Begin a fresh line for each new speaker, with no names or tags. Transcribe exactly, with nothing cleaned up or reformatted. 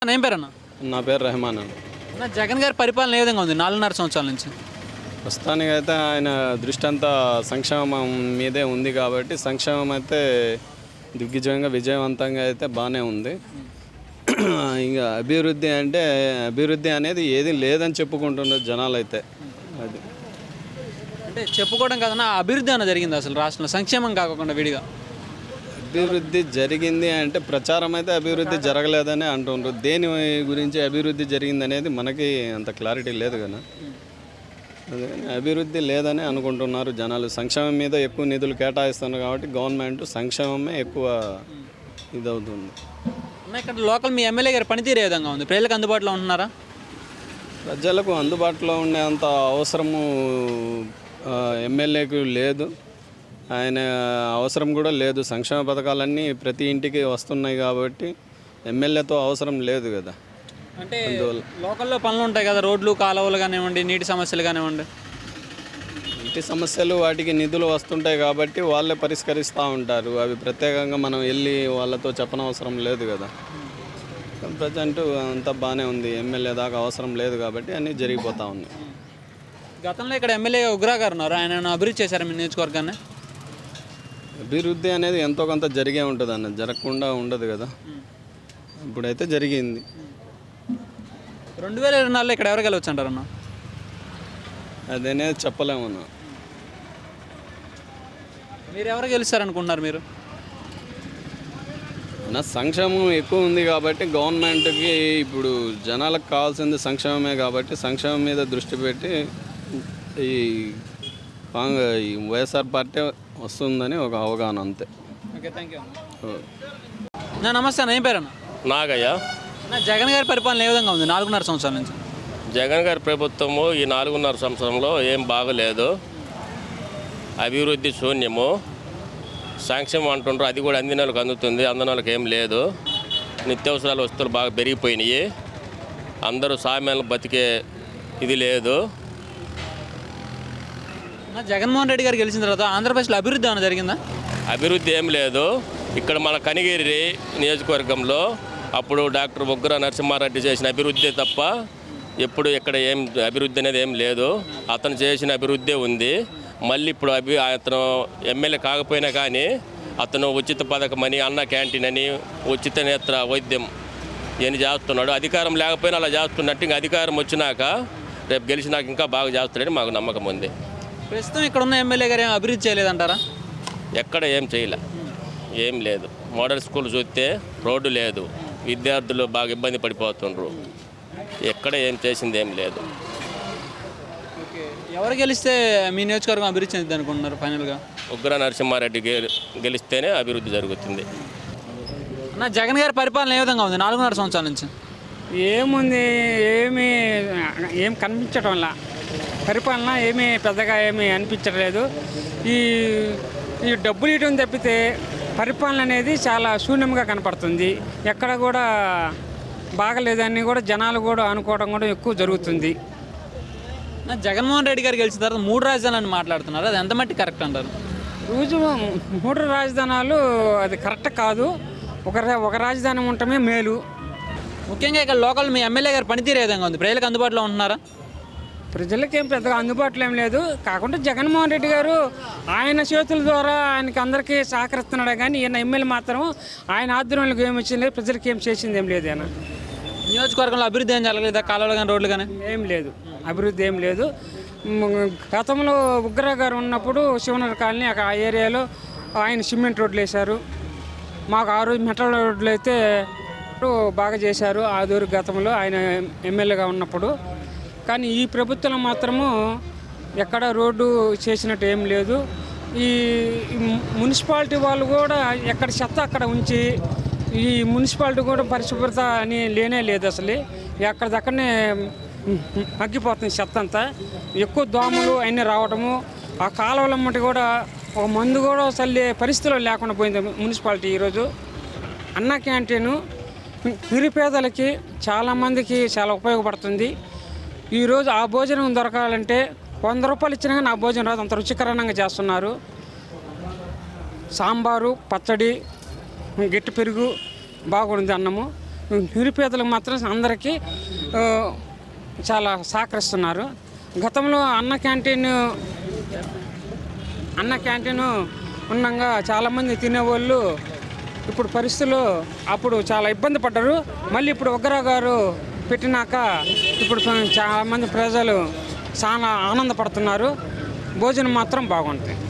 ఏం పేరన్నా?
నా పేరు రెహమాన్ అన్న.
అన్న, జగన్ గారి పరిపాలన ఏ విధంగా ఉంది నాలుగున్నర సంవత్సరాల నుంచి?
ప్రస్తుతానికి అయితే ఆయన దృష్టి అంతా సంక్షేమం మీదే ఉంది కాబట్టి సంక్షేమం అయితే దిగ్విజయంగా విజయవంతంగా అయితే బాగానే ఉంది. ఇంకా అభివృద్ధి అంటే అభివృద్ధి అనేది ఏది లేదని చెప్పుకుంటున్నారు జనాలు అయితే. అది
అంటే చెప్పుకోవడం కాదన్నా, అభివృద్ధి అన్న జరిగింది అసలు రాష్ట్రంలో సంక్షేమం కాకుండా విడిగా?
అభివృద్ధి జరిగింది అంటే ప్రచారం అయితే అభివృద్ధి జరగలేదని అంటుండ్రు. దేని గురించి అభివృద్ధి జరిగింది అనేది మనకి అంత క్లారిటీ లేదు కదా. అదే అభివృద్ధి లేదని అనుకుంటున్నారు జనాలు. సంక్షేమం మీద ఎక్కువ నిధులు కేటాయిస్తున్నారు కాబట్టి గవర్నమెంట్ సంక్షేమమే ఎక్కువ ఇదవుతుంది.
ఇక్కడ లోకల్ మీ ఎమ్మెల్యే గారి పనితీరు ఏ విధంగా ఉంది? ప్రజలకు అందుబాటులో ఉంటున్నారా?
ప్రజలకు అందుబాటులో ఉండేంత అవసరము ఎమ్మెల్యేకు లేదు. ఆయన అవసరం కూడా లేదు. సంక్షేమ పథకాలన్నీ ప్రతి ఇంటికి వస్తున్నాయి కాబట్టి ఎమ్మెల్యేతో అవసరం లేదు కదా.
అంటే లోకల్లో పనులు ఉంటాయి కదా, రోడ్లు కాలువలు కానివ్వండి, నీటి సమస్యలు కానివ్వండి.
నీటి సమస్యలు వాటికి నిధులు వస్తుంటాయి కాబట్టి వాళ్ళే పరిష్కరిస్తూ ఉంటారు. అవి ప్రత్యేకంగా మనం వెళ్ళి వాళ్ళతో చెప్పనవసరం లేదు కదా. ప్రజెంట్ అంతా బాగానే ఉంది. ఎమ్మెల్యే దాకా అవసరం లేదు కాబట్టి అన్నీ జరిగిపోతూ ఉన్నాయి.
గతంలో ఇక్కడ ఎమ్మెల్యే ఉగ్రా గారు ఉన్నారు, ఆయన అభివృద్ధి చేశారు మీ నియోజకవర్గాన్ని?
అభివృద్ధి అనేది ఎంతో కొంత జరిగే ఉంటుంది అన్న, జరగకుండా ఉండదు కదా. ఇప్పుడైతే జరిగింది.
రెండు వేల ఇరవై నాలుగులో ఇక్కడ ఎవరు గెలవచ్చు అంటారన్న?
అదనేది చెప్పలేమన్నా.
మీరు ఎవరు గెలుస్తారనుకుంటున్నారు మీరు?
నా సంక్షేమం ఎక్కువ ఉంది కాబట్టి గవర్నమెంట్కి ఇప్పుడు జనాలకు కావాల్సింది సంక్షేమమే కాబట్టి సంక్షేమం మీద దృష్టి పెట్టి ఈ కాంగ్రెస్ ఈ వైఎస్ఆర్ పార్టీ వస్తుందని ఒక అవగాహన అంతే.
Okay, thank you. నా నమస్తే అన్న, ఏం పేరు అన్న?
నాగయ్య.
నా జగన్ గారి పరిపాలన ఏ విధంగా ఉంది నాలుగున్నర సంవత్సరాల నుంచి?
జగన్ గారి ప్రభుత్వము ఈ నాలుగున్నర సంవత్సరంలో ఏం బాగలేదు. అభివృద్ధి శూన్యము. సంక్షేమం అంటుండ్రు, అది కూడా అందిన వాళ్ళకి అందుతుంది, అందిన వాళ్ళకి ఏం లేదు. నిత్యావసరాల వస్తువులు బాగా పెరిగిపోయినాయి. అందరూ సామాన్లు బతికే ఇది లేదు.
జగన్మోహన్ రెడ్డి గారు గెలిచిన తర్వాత ఆంధ్రప్రదేశ్లో అభివృద్ధి ఏమైనా జరిగిందా?
అభివృద్ధి ఏం లేదు. ఇక్కడ మన కనిగిరి నియోజకవర్గంలో అప్పుడు డాక్టర్ బొగ్గర నరసింహారెడ్డి చేసిన అభివృద్ధి తప్ప ఎప్పుడు ఇక్కడ ఏం అభివృద్ధి అనేది ఏం లేదు. అతను చేసిన అభివృద్ధి ఉంది. మళ్ళీ ఇప్పుడు అభి అతను ఎమ్మెల్యే కాకపోయినా కానీ అతను ఉచిత పథకం అని, అన్న క్యాంటీన్ అని, ఉచిత నేత్ర వైద్యం అని చేస్తున్నాడు. అధికారం లేకపోయినా అలా చేస్తున్నట్టు ఇంకా అధికారం వచ్చినాక రేపు గెలిచినాక ఇంకా బాగా చేస్తాడని మాకు నమ్మకం ఉంది.
ప్రస్తుతం ఇక్కడ ఉన్న ఎమ్మెల్యే గారు ఏం అభివృద్ధి చేయలేదంటారా?
ఎక్కడ ఏం చేయలే, ఏం లేదు. మోడల్ స్కూల్ చూస్తే రోడ్డు లేదు, విద్యార్థులు బాగా ఇబ్బంది పడిపోతుండ్రు. ఎక్కడ ఏం చేసింది ఏం లేదు.
ఓకే, ఎవరు గెలిస్తే మీ నియోజకవర్గం అభివృద్ధి చెందింది అనుకుంటున్నారు ఫైనల్గా?
ఉగ్ర నరసింహారెడ్డి గెలిస్తేనే అభివృద్ధి జరుగుతుంది.
నా జగన్ గారి పరిపాలన ఏ విధంగా ఉంది నాలుగున్నర సంవత్సరాల నుంచి?
ఏముంది, ఏమీ ఏం కనిపించడం వల్ల పరిపాలన ఏమీ పెద్దగా ఏమీ అనిపించట్లేదు. ఈ ఈ డబ్బులు ఇవ్వడం తప్పితే పరిపాలన అనేది చాలా శూన్యంగా కనపడుతుంది. ఎక్కడ కూడా బాగలేదని కూడా జనాలు కూడా అనుకోవడం కూడా ఎక్కువ జరుగుతుంది.
జగన్మోహన్ రెడ్డి గారు గెలిచిన తర్వాత మూడు రాజధానులు మాట్లాడుతున్నారు, అది ఎంత మట్టి కరెక్ట్ అంటారు?
రోజు మూడు రాజధానులు అది కరెక్ట్ కాదు. ఒక ఒక రాజధాని ఉండటమే మేలు.
ముఖ్యంగా ఇక్కడ లోకల్ మీ ఎమ్మెల్యే గారి పనితీరు ఏ విధంగా ఉంది? ప్రజలకు అందుబాటులో ఉంటున్నారా?
ప్రజలకి ఏం పెద్దగా అందుబాటులో ఏం లేదు. కాకుండా జగన్మోహన్ రెడ్డి గారు ఆయన చేతుల ద్వారా ఆయనకి అందరికీ సహకరిస్తున్నాడు కానీ ఈయన ఎమ్మెల్యే మాత్రం ఆయన ఆధ్వర్యంలోకి ఏమి వచ్చింది లేదు, ప్రజలకి ఏం చేసింది ఏం లేదు. ఆయన
నియోజకవర్గంలో అభివృద్ధి ఏం జరగలేదా? కాలువలు కానీ రోడ్లు కానీ
ఏం లేదు, అభివృద్ధి ఏం లేదు. గతంలో ఉగ్ర గారు ఉన్నప్పుడు శివనగర్ కాలనీ ఆ ఏరియాలో ఆయన సిమెంట్ రోడ్లు వేశారు. మాకు ఆ రోజు మెటల్ రోడ్లు అయితే బాగా చేశారు ఆ దూరు గతంలో ఆయన ఎమ్మెల్యేగా ఉన్నప్పుడు. కానీ ఈ ప్రభుత్వం మాత్రము ఎక్కడ రోడ్డు చేసినట్టు ఏం లేదు. ఈ మున్సిపాలిటీ వాళ్ళు కూడా ఎక్కడ చెత్త అక్కడ ఉంచి ఈ మున్సిపాలిటీ కూడా పరిశుభ్రత అని లేనే లేదు. అసలు ఎక్కడిదక్కడనే మగ్గిపోతుంది చెత్త అంతా. ఎక్కువ దోమలు అన్నీ రావటము, ఆ కాలువల మట్టి కూడా ఒక మందు కూడా చల్లే పరిస్థితిలో లేకుండా పోయింది మున్సిపాలిటీ. ఈరోజు అన్న క్యాంటీను నిరుపేదలకి చాలామందికి చాలా ఉపయోగపడుతుంది. ఈరోజు ఆ భోజనం దొరకాలంటే వంద రూపాయలు ఇచ్చినా కానీ ఆ భోజనం రాదు, అంత రుచికరంగా చేస్తున్నారు. సాంబారు, పచ్చడి, గట్టి పెరుగు బాగుంది అన్నము. నిరుపేదలకు మాత్రం అందరికీ ఆ, చాలా సహకరిస్తున్నారు. గతంలో అన్న క్యాంటీన్ అన్న క్యాంటీన్ ఉండగా చాలామంది తినేవాళ్ళు ఇప్పుడు పరిస్థితులు అప్పుడు చాలా ఇబ్బంది పడ్డారు. మళ్ళీ ఇప్పుడు ఉగ్ర గారు పెట్టినాక ఇప్పుడు చాలామంది ప్రజలు చాలా ఆనందపడుతున్నారు. భోజనం మాత్రం బాగుంటుంది.